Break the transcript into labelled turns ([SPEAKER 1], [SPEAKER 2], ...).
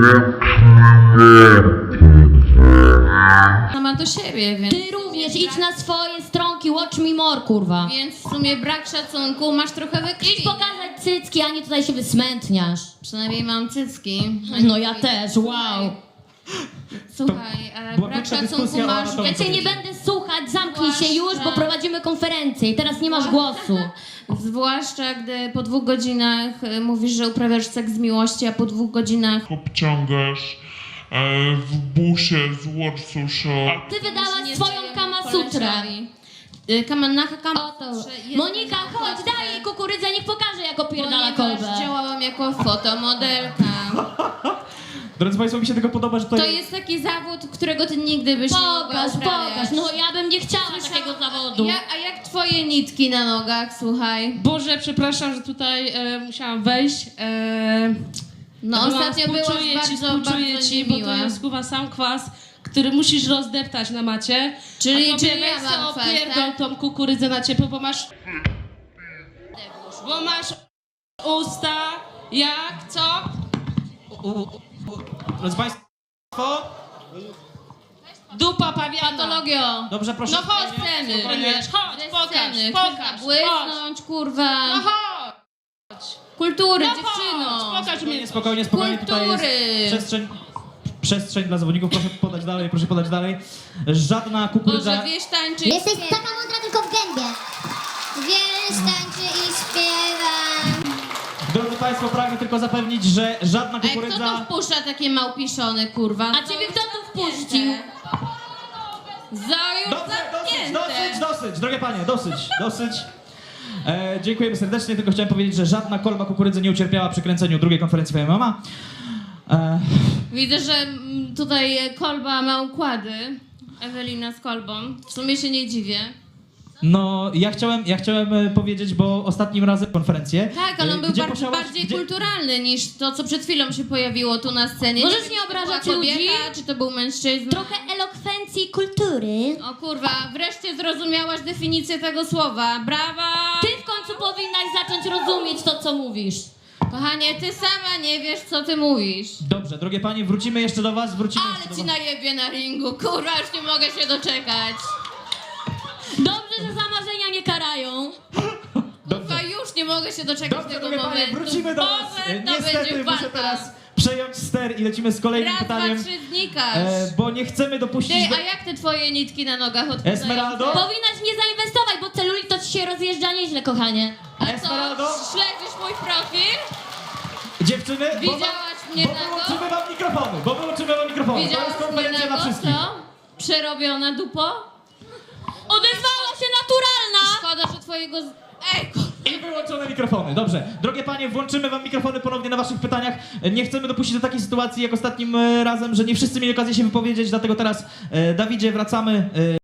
[SPEAKER 1] Sama do siebie, więc...
[SPEAKER 2] Ty również idź na swoje stronki, watch me more, kurwa.
[SPEAKER 1] Więc w sumie brak szacunku, masz trochę we krwi.
[SPEAKER 2] Idź pokazać cycki, a nie tutaj się wysmętniasz.
[SPEAKER 1] Przynajmniej mam cycki.
[SPEAKER 2] No ja też, wow.
[SPEAKER 1] Słuchaj, ale
[SPEAKER 3] Była
[SPEAKER 1] brak
[SPEAKER 3] krótka
[SPEAKER 1] szacunku
[SPEAKER 3] dyskusja o
[SPEAKER 1] masz...
[SPEAKER 3] anatomii.
[SPEAKER 2] Ja cię nie będę słuchać, zamknij się już, bo
[SPEAKER 1] Zwłaszcza-
[SPEAKER 2] prowadzimy konferencję i teraz nie masz głosu.
[SPEAKER 1] Zwłaszcza, gdy po 2 godzinach mówisz, że uprawiasz seks z miłości, a po 2 godzinach...
[SPEAKER 4] obciągasz w busie z Warsusza.
[SPEAKER 2] Ty wydałaś
[SPEAKER 1] Nie
[SPEAKER 2] swoją
[SPEAKER 1] dzieje
[SPEAKER 2] Kama Sutrę.
[SPEAKER 1] koleżowi. Kamanaka Kama
[SPEAKER 2] Oto.
[SPEAKER 1] Sutrze jest
[SPEAKER 2] Monika,
[SPEAKER 1] na
[SPEAKER 2] chodź,
[SPEAKER 1] okładce,
[SPEAKER 2] daj jej kukurydzę, niech pokaże, jak opierdala
[SPEAKER 1] ponieważ
[SPEAKER 2] kolbę.
[SPEAKER 1] działałam jako fotomodelka.
[SPEAKER 3] Drodzy Państwo, mi się tego podoba, że
[SPEAKER 1] To jest taki zawód, którego ty nigdy byś nie mogła
[SPEAKER 2] Pokaż,
[SPEAKER 1] uprawiać.
[SPEAKER 2] pokaż, no ja bym nie chciała takiego zawodu.
[SPEAKER 1] A jak twoje nitki na nogach, słuchaj?
[SPEAKER 5] Boże, przepraszam, że tutaj musiałam wejść.
[SPEAKER 1] No ostatnio byłaś
[SPEAKER 5] Współczuję
[SPEAKER 1] bardzo
[SPEAKER 5] ci, bo
[SPEAKER 1] niemiła.
[SPEAKER 5] to jest chyba sam kwas, który musisz rozdeptać na macie.
[SPEAKER 1] Czyli
[SPEAKER 5] a tobie
[SPEAKER 1] ja
[SPEAKER 5] weź
[SPEAKER 1] mam
[SPEAKER 5] sobie
[SPEAKER 1] kwas,
[SPEAKER 5] opierdol
[SPEAKER 1] tak?
[SPEAKER 5] tą kukurydzę na ciepło, bo masz usta jak co?
[SPEAKER 3] Drodzy Państwo,
[SPEAKER 5] Dupa pawiana.
[SPEAKER 1] Patologio!
[SPEAKER 3] dobrze, proszę.
[SPEAKER 5] No chodź,
[SPEAKER 1] Sceny.
[SPEAKER 5] Będziesz, chodź,
[SPEAKER 1] Bez
[SPEAKER 5] pokaż,
[SPEAKER 1] sceny.
[SPEAKER 5] pokaż,
[SPEAKER 1] Błysnąć, kurwa.
[SPEAKER 5] No chodź.
[SPEAKER 1] Kultury,
[SPEAKER 5] No
[SPEAKER 1] dziewczyno.
[SPEAKER 5] chodź, pokaż mi.
[SPEAKER 3] Spokojnie, spokojnie, tutaj
[SPEAKER 1] Kultury.
[SPEAKER 3] jest przestrzeń dla zawodników, proszę podać dalej. Żadna kukurydza.
[SPEAKER 1] Boże, wiesz tańczyć.
[SPEAKER 6] Jesteś taka mądra tylko w gębie. Wiesz, tańczy i śpiewa.
[SPEAKER 3] Drodzy Państwo, pragnę tylko zapewnić, że żadna
[SPEAKER 1] Ej, kto tu
[SPEAKER 3] kukurydza...
[SPEAKER 1] wpuszcza takie małpiszony, kurwa?
[SPEAKER 2] A ciebie kto tu wpuścił?
[SPEAKER 1] Za już zamknięte.
[SPEAKER 3] Dosyć, drogie panie, dosyć. Dziękujemy serdecznie, tylko chciałem powiedzieć, że żadna kolba kukurydzy nie ucierpiała przy kręceniu drugiej konferencji MMA.
[SPEAKER 1] Widzę, że tutaj kolba ma układy. Ewelina z kolbą. W sumie się nie dziwię.
[SPEAKER 3] No, ja chciałem powiedzieć, bo ostatnim razem konferencję...
[SPEAKER 1] Tak, ale on był
[SPEAKER 3] gdzie
[SPEAKER 1] bardziej
[SPEAKER 3] gdzie-
[SPEAKER 1] kulturalny niż to, co przed chwilą się pojawiło tu na scenie.
[SPEAKER 2] Możesz
[SPEAKER 1] wiem,
[SPEAKER 2] nie
[SPEAKER 1] czy to
[SPEAKER 2] obrażać
[SPEAKER 1] była kobieta,
[SPEAKER 2] ludzi?
[SPEAKER 1] czy to był mężczyzna.
[SPEAKER 2] Trochę elokwencji i kultury.
[SPEAKER 1] O kurwa, wreszcie zrozumiałaś definicję tego słowa. Brawa!
[SPEAKER 2] Ty w końcu powinnaś zacząć rozumieć to, co mówisz.
[SPEAKER 1] Kochanie, ty sama nie wiesz, co ty mówisz.
[SPEAKER 3] Dobrze, drogie panie, wrócimy jeszcze do was,
[SPEAKER 1] Ale ci najebie na ringu, kurwa, już nie mogę się doczekać.
[SPEAKER 2] Dobrze, że zamarzenia nie karają.
[SPEAKER 1] Kurwa, już nie mogę się doczekać
[SPEAKER 3] Dobrze,
[SPEAKER 1] tego
[SPEAKER 3] drogie panie,
[SPEAKER 1] momentu.
[SPEAKER 3] wrócimy do was.
[SPEAKER 1] Boże, to
[SPEAKER 3] Niestety
[SPEAKER 1] będzie
[SPEAKER 3] muszę
[SPEAKER 1] walka.
[SPEAKER 3] teraz przejąć ster i lecimy z kolejnym
[SPEAKER 1] Raz,
[SPEAKER 3] pytaniem.
[SPEAKER 1] 2, 3 znikasz.
[SPEAKER 3] Bo nie chcemy dopuścić
[SPEAKER 1] Ty,
[SPEAKER 3] do...
[SPEAKER 1] a jak te twoje nitki na nogach odpadają?
[SPEAKER 3] Esmeraldo?
[SPEAKER 2] Powinnaś nie zainwestować, bo celulit to ci się rozjeżdża nieźle, kochanie.
[SPEAKER 1] A co,
[SPEAKER 3] Esmeraldo?
[SPEAKER 1] śledzisz mój profil?
[SPEAKER 3] Dziewczyny,
[SPEAKER 1] Widziałaś mnie
[SPEAKER 3] bo
[SPEAKER 1] nago?
[SPEAKER 3] wyłączymy wam mikrofony, to jest
[SPEAKER 1] Widziałaś mnie
[SPEAKER 3] konferencja dla
[SPEAKER 1] nago,
[SPEAKER 3] wszystkich.
[SPEAKER 1] co? Przerobiona dupo?
[SPEAKER 2] Odezwała się naturalna!
[SPEAKER 1] Szkoda, że twojego... Ej, kurwa.
[SPEAKER 3] I wyłączone mikrofony, dobrze. Drogie panie, włączymy wam mikrofony ponownie na waszych pytaniach. Nie chcemy dopuścić do takiej sytuacji jak ostatnim razem, że nie wszyscy mieli okazję się wypowiedzieć, dlatego teraz, Dawidzie, wracamy.